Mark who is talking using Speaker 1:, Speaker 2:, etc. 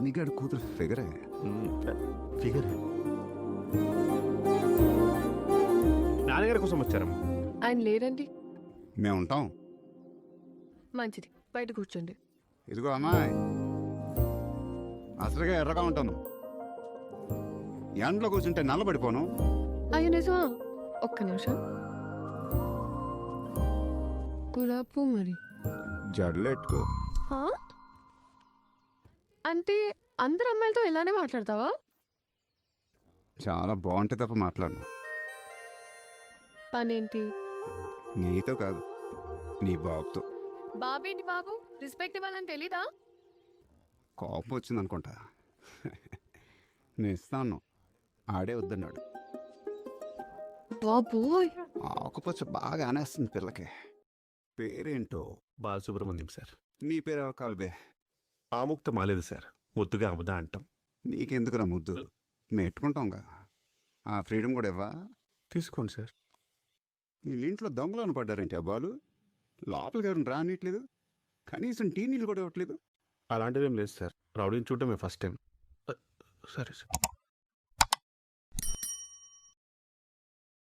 Speaker 1: మణిగాడు కూతురు ఫిగరే.
Speaker 2: ఫిగర్ నాన్నగారి కోసం వచ్చారమ్మా.
Speaker 3: ఆయన లేరండి.
Speaker 1: మేము ఉంటాం.
Speaker 3: మంచిది, బయట కూర్చోండి.
Speaker 1: ఇదిగో అమ్మాయి, అసలుగా ఎర్రగా ఉంటాను. ఎండలో కూర్చుంటే నల్లబడిపోను.
Speaker 3: అయ్యో నిజమా? ఒక్క నిమిషం. గులాబ్ మరి
Speaker 1: జడలెట్టుకో.
Speaker 3: హా? అంటే అందరు అమ్మాయిలతో ఇలానే మాట్లాడతావా?
Speaker 1: చాలా బాగుంటే తప్ప మాట్లాడను.
Speaker 3: పనేంటి?
Speaker 1: నీతో కాదు, నీ బాబుతో.
Speaker 3: బాబేంటి బాబు? రెస్పెక్ట్ ఇవ్వాలని తెలీదా?
Speaker 1: కోపం వచ్చింది అనుకుంటా. నేను ఇస్తాను, ఆడే వద్దన్నాడు.
Speaker 3: బాబోయ్,
Speaker 1: ఆకుపచ్చ బాగా అనేస్తుంది పిల్లకి. పేరేంటో?
Speaker 2: బాలసుబ్రహ్మణ్యం సార్.
Speaker 1: నీ పేరు కాల్బే.
Speaker 2: ఆముక్త మాలేదు సార్, ముద్దుగా అమదా అంటాం.
Speaker 1: నీకెందుకురా ముద్దు, మెట్టుకుంటాంగా. ఆ ఫ్రీడమ్ కూడా ఇవ్వా?
Speaker 2: తీసుకోండి సార్.
Speaker 1: వీళ్ళ ఇంట్లో దొంగలను పడ్డారేంటి ఆ బాలు? లోపలికి ఎవరిని రానిట్లేదు, కనీసం టీ నీళ్ళు కూడా ఇవ్వట్లేదు.
Speaker 2: అలాంటిదేం లేదు సార్, రౌడీని చూడటమే ఫస్ట్ టైం. సరే సార్.